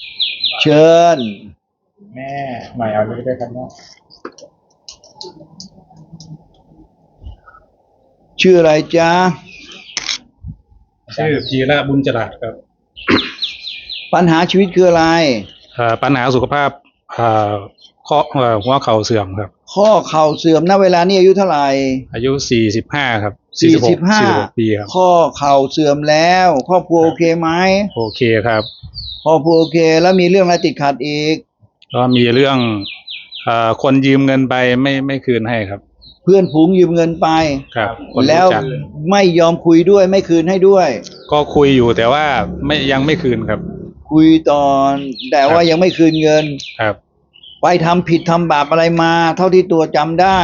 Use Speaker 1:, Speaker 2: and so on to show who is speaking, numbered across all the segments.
Speaker 1: เชิญ
Speaker 2: แม่หน่อยเอาเลยได้ครับแม่
Speaker 1: ชื่ออะไรจ๊ะ
Speaker 3: ชื่อพีระบุญจรัสครับ
Speaker 1: ปัญหาชีวิตคืออะไร
Speaker 3: ปัญหาสุขภาพข้อหัวเข่าเสื่อมครับ
Speaker 1: ข้อเข่าเสื่อมณเวลานี้อายุเท่าไหร่
Speaker 3: อายุ45ครับ
Speaker 1: 45
Speaker 3: ปีครับ
Speaker 1: ข้อเข่าเสื่อมแล้วครอบครัวโอเคไหม
Speaker 3: โอเคครับ
Speaker 1: ครอบครัวโอเคแล้วมีเรื่องอะไรติดขัดอีก
Speaker 3: ก็มีเรื่องคนยืมเงินไปไม่คืนให้ครับ
Speaker 1: เพื่อนฝูงยืมเงินไป
Speaker 3: ครับ
Speaker 1: แล้วไม่ยอมคุยด้วยไม่คืนให้ด้วย
Speaker 3: ก็คุยอยู่แต่ว่ายังไม่คืนครับ
Speaker 1: คุยตอนแต่ว่ายังไม่คืนเงิน
Speaker 3: ครับ
Speaker 1: ไปทำผิดทำบาปอะไรมาเท่าที่ตัวจำได้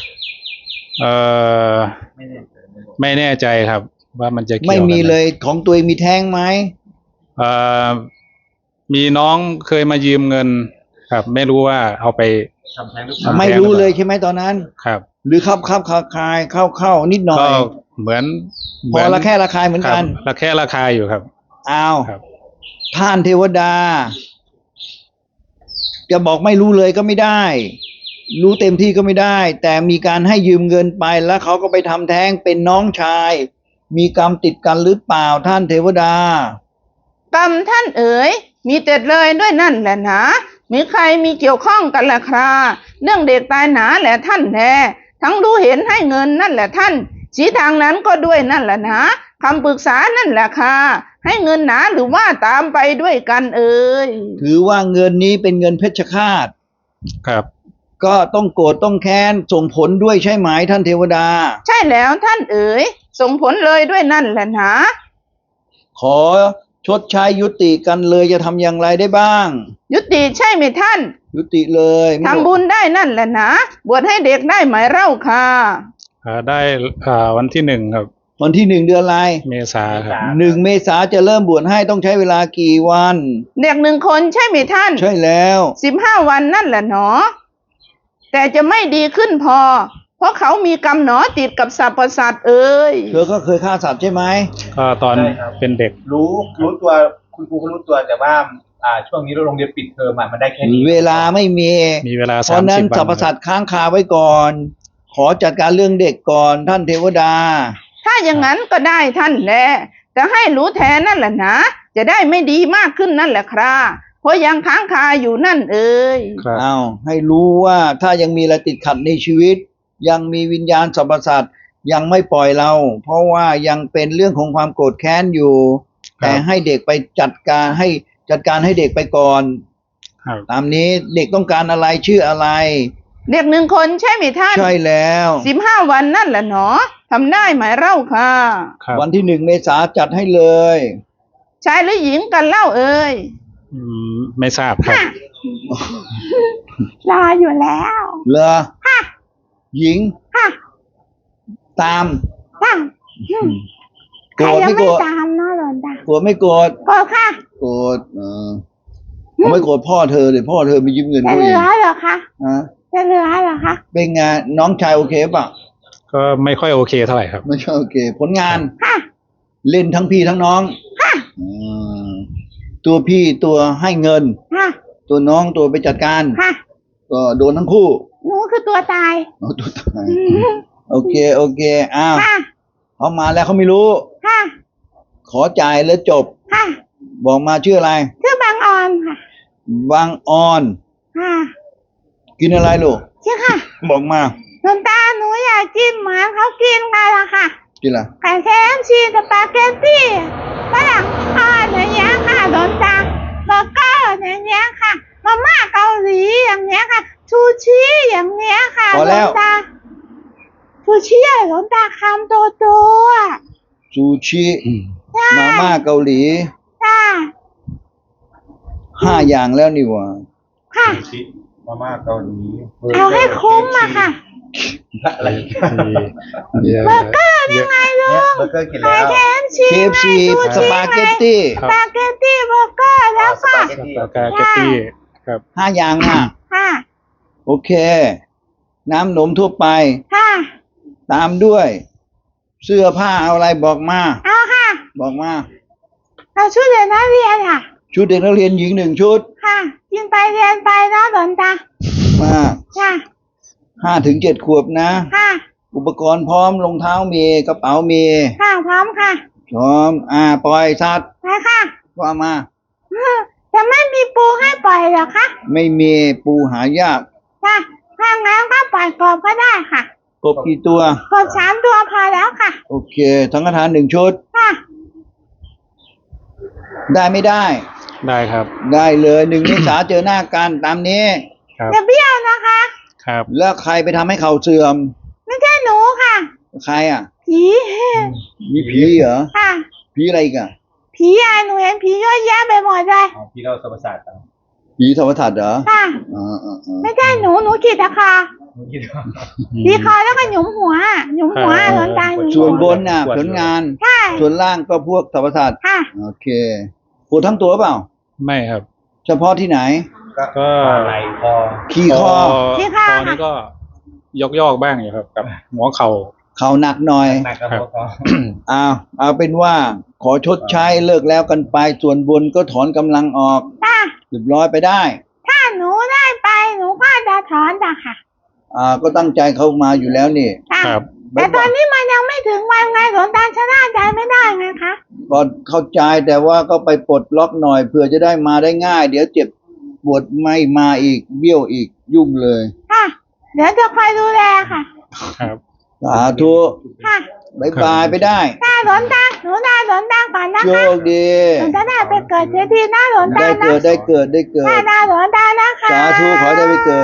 Speaker 3: ไม่แน่ใจครับว่ามันจะเกี่ยว
Speaker 1: ไม่มีเลยของตัวเองมีแท้งไหม
Speaker 3: มีน้องเคยมายืมเงินครับไม่รู้ว่าเอาไป
Speaker 2: ทำแท้งหรือเปล่า
Speaker 1: ไม่รู้เลยใช่ไหมตอนนั้น
Speaker 3: ครับ
Speaker 1: หรือเข้านิดหน่อย
Speaker 3: ก็เหมือน
Speaker 1: พอละแค่ระคายเหมือนกัน
Speaker 3: ละแค่ระคายอยู่ครับ
Speaker 1: อ้าวท่านเทวดาจะบอกไม่รู้เลยก็ไม่ได้รู้เต็มที่ก็ไม่ได้แต่มีการให้ยืมเงินไปแล้วเขาก็ไปทำแท้งเป็นน้องชายมีกรรมติดกันหรือเปล่าท่านเทวดาก
Speaker 4: รรมท่านเอ๋ยมีเต็ดเลยด้วยนั่นแหละนะมีใครมีเกี่ยวข้องกันล่ะคราเรื่องเด็กตายหนาแหละท่านแน่ทั้งรู้เห็นให้เงินนั่นแหละท่านชี้ทางนั้นก็ด้วยนั่นแหละนะคำปรึกษานั่นแหละค่ะให้เงินหนาหรือว่าตามไปด้วยกันเอ๋ย
Speaker 1: ถือว่าเงินนี้เป็นเงินเพชฌฆาต
Speaker 3: ครับ
Speaker 1: ก็ต้องโกรธต้องแค้นส่งผลด้วยใช่ไหมท่านเทวดา
Speaker 4: ใช่แล้วท่านเอ๋ยส่งผลเลยด้วยนั่นแหละนะ
Speaker 1: ขอชดใช้ยุติกันเลยจะทำอย่างไรได้บ้าง
Speaker 4: ยุติใช่ไหมท่าน
Speaker 1: ยุติเลย
Speaker 4: ทำบุญได้นั่นแหละนะบวชให้เด็กได้ไหมเล่าค่ะ
Speaker 3: ได้วันที่1ครับ
Speaker 1: วันที่1เดือนอะไร
Speaker 3: เมษาครับ
Speaker 1: 1เมษาจะเริ่มบวชให้ต้องใช้เวลากี่วัน
Speaker 4: เด็ก1คนใช่ไหมท่าน
Speaker 1: ใช่แล้ว
Speaker 4: 15วันนั่นแหละเนาะแต่จะไม่ดีขึ้นพอเพราะเขามีกรรมหนอติดกับสรรพสัตว์เอ้ย
Speaker 1: เธอก็เคยฆ่าสัตว์ใช่ไหม
Speaker 3: ก็ตอนเป็นเด็ก
Speaker 2: รู้ตัวคุณครูก็รู้ตัวแต่ว่าช่วงนี้โรงเรียนปิดเทอมมันได้แค่นี้
Speaker 1: เวลาไม่มี
Speaker 3: เวลา30 วัน
Speaker 1: เพราะนั้นสรรพสัตว์ค้างคาไว้ก่อนขอจัดการเรื่องเด็กก่อนท่านเทวดา
Speaker 4: ถ้าอย่างนั้นก็ได้ท่านแหละแต่ให้รู้แทนนั่นแหละนะจะได้ไม่ดีมากขึ้นนั่นแหละครับเพราะยังค้างคาอยู่นั่นเอ่ย
Speaker 1: เอาให้รู้ว่าถ้ายังมีอะไรติดขัดในชีวิตยังมีวิญญาณสรรพสัตว์ยังไม่ปล่อยเราเพราะว่ายังเป็นเรื่องของความโกรธแค้นอยู่แต่ให้เด็กไปจัดการให้เด็กไปก่อนตามนี้เด็กต้องการอะไรชื่ออะไร
Speaker 4: เด็ก1คนใช่ไหมท่าน
Speaker 1: ใช่แล้ว
Speaker 4: 15วันนั่นแหละเนาะทำได้ไหมเล่าค่ะ
Speaker 1: วันที่1เมษาจัดให้เลย
Speaker 4: ชายหรือหญิงกันเล่าเอ่ย
Speaker 3: ไม่ทราบครับ
Speaker 4: รออยู่แล้ว
Speaker 1: เหรอหญิงตาม
Speaker 4: โกรธไม่โกรธตามเนาะหลวงตา
Speaker 1: โกรธไม่โกรธ
Speaker 4: โกรธค่ะ
Speaker 1: โกรธไม่โกรธพ่อเธอเลยพ่อเธอไปยืมเงิน
Speaker 4: จะเหลือเหรอคะจะเหลือเหรอคะ
Speaker 1: เป็นไงน้องชายโอเคป่ะ
Speaker 3: ก็ไม่ค่อยโอเคเท่าไหร่ครับ
Speaker 1: ไม่ใช่โอเคผลงานเล่นทั้งพี่ทั้งน้องตัวพี่ตัวให้เงินตัวน้องตัวไปจัดการก็โดนทั้งคู่
Speaker 4: หนูคือตัวตาย
Speaker 1: ตัวตายโอเคอ้าวเขามาแล้วเขาไม่รู้ขอจ่ายแล้วจบบอกมาชื่ออะไร
Speaker 4: ชื่อบางออนค่ะ
Speaker 1: บางออนกินอะไรลูก
Speaker 4: ใช่ค่ะ
Speaker 1: บอกมา
Speaker 4: หลวงตาหนูอยากกินเหมือนเขากินกันละค่ะ
Speaker 1: กินอะไร
Speaker 4: ไก่แท้ชีสปาเกตตี้ฝรั่งทอดอย่างเงี้ยค่ะหลวงตาเบอร์เกอร์อย่างเงี้ยค่ะมาม่าเกาหลีอย่างเงี้ยค่ะชูชีอย่างเงี้ยค่ะหลวงตาชูชีหลวงตาคำโตๆ
Speaker 1: ชูชีมาม่าเกาหลี5 อย่างแล้วนี่วะ
Speaker 4: ค่ะ
Speaker 2: มาม่าเกาหลี
Speaker 4: เอาให้คุ้มอะค่ะ
Speaker 2: อะไร
Speaker 4: เบอร์เกอร์ยังไงลูก
Speaker 2: เบอร์เกอร์กินแล้ว
Speaker 1: KFC สปาเกตตี้
Speaker 4: เบอร์เกอร์แล้วก็
Speaker 3: สปาเกตตี้ครับ
Speaker 1: 5 อย่าง
Speaker 4: ค่ะ
Speaker 1: โอเคน้ำนมทั่วไป
Speaker 4: ค่ะ
Speaker 1: ตามด้วยเสื้อผ้าเอาอะไรบอกมา
Speaker 4: เอาค่ะ
Speaker 1: บอกมา
Speaker 4: เอาชุดเรียนนักเรียนค่ะ
Speaker 1: ชุดเด็กนักเรียนหญิง1 ชุด
Speaker 4: ค่ะ กินไปเรียนไปเนาะหลวงตา
Speaker 1: มา
Speaker 4: ค่ะ
Speaker 1: 5 ถึง 7 ขวบนะ
Speaker 4: ค่ะ
Speaker 1: อุปกรณ์พร้อมรองเท้ามีกระเป๋ามี
Speaker 4: ค่ะพร้อมค่ะ
Speaker 1: พร้อมปล่อยสัตว์
Speaker 4: ไปค่ะ
Speaker 1: ว่ามา
Speaker 4: จะไม่มีปูให้ปล่อยเหรอคะ
Speaker 1: ไม่มีปูหายาก
Speaker 4: ค่ะถ้างั้นก็ปล่อยกบก็ได้ค่ะ
Speaker 1: กบกี่ตัว
Speaker 4: กบ3 ตัวพอแล้วค่ะ
Speaker 1: โอเคสังฆทาน1 ชุด
Speaker 4: ค่ะ
Speaker 1: ได้ไม่ได้
Speaker 3: ได้ครับ
Speaker 1: ได้เลย1 เมษาเจอหน้ากันตามนี้
Speaker 3: ครับ
Speaker 4: จะเบี้ยวนะคะ
Speaker 3: ครับ
Speaker 1: แล้วใครไปทำให้เขาเสื่อม
Speaker 4: ไม่ใช่หนูค่ะ
Speaker 1: ใครอ่ะ
Speaker 4: ผี
Speaker 1: มีผีเหรอ
Speaker 4: ค่ะ
Speaker 1: ผีอะไรอีกัน
Speaker 4: ผีหนูเห็นผีเยอะแยะไปหมดเลย
Speaker 2: เอาพี่เราสมประสาทต่าง
Speaker 1: ผีธรรมทัศน์เหรอ
Speaker 4: ค่ะ ไม่ใช่หนูขีดตะคอ
Speaker 2: หนูคิดว่า
Speaker 4: ผีคอแล้วก็หยุมหัวหยุมหัวหลวงตาหยุม
Speaker 1: ส่
Speaker 4: หั
Speaker 1: วน
Speaker 4: ว
Speaker 1: บนน่ะผลงาน
Speaker 4: ใช่
Speaker 1: ส่วนล่างก็พวกธรรมทัศน์
Speaker 4: ค่ะ
Speaker 1: โอเคปวดทั้งตัวเปล่า
Speaker 3: ไม่ครับ
Speaker 1: เฉพาะที่ไหน
Speaker 3: ก็
Speaker 2: ไหล่คอ
Speaker 1: ขี้คอ
Speaker 3: คอนี่ก็ยอกบ้างอยู่ครับกับหัวเข่า
Speaker 1: เข่าหนักหน่อย
Speaker 2: หนักกระเพาะคอ
Speaker 1: เอาเป็นว่าขอชดใช้เลิกแล้วกันไป ส่วนบนก็ถอนกำลังออก
Speaker 4: ค่ะ
Speaker 1: เรียบร้อยไปได้
Speaker 4: ถ้าหนูได้ไปหนูก็จะถอนจ้ะค่ะ
Speaker 1: ก็ตั้งใจเข้ามาอยู่แล้วนี่
Speaker 4: ค่ะ
Speaker 3: ครับ
Speaker 4: แต่ตอนนี้มันยังไม่ถึงวันไงหลวงตาชนะใจไม่ได้ไงคะ
Speaker 1: ก็เข้าใจแต่ว่าก็ไปปลดล็อกหน่อยเผื่อจะได้มาได้ง่าย เดี๋ยวเจ็บปวดไม่มาอีกเบี้ยวอีกยุ่งเลย
Speaker 4: ค่ะ เดี๋ยวจะคอยดูแลค่ะ
Speaker 3: ครับ
Speaker 1: สาธุ
Speaker 4: ค่ะ
Speaker 1: บายบายไปได้
Speaker 4: ตาหลวงตาหนูได้หลวงตาก่อนนะ
Speaker 1: โช
Speaker 4: คะ
Speaker 1: คดี
Speaker 4: หนูจะได้ไปเกิดเสียทีนะหลวงตา
Speaker 1: ได้
Speaker 4: นะ
Speaker 1: เกิดได้เกิดได้เกิด
Speaker 4: ตาหลวงตานะคะ
Speaker 1: สาธุขอได้ไปเกิด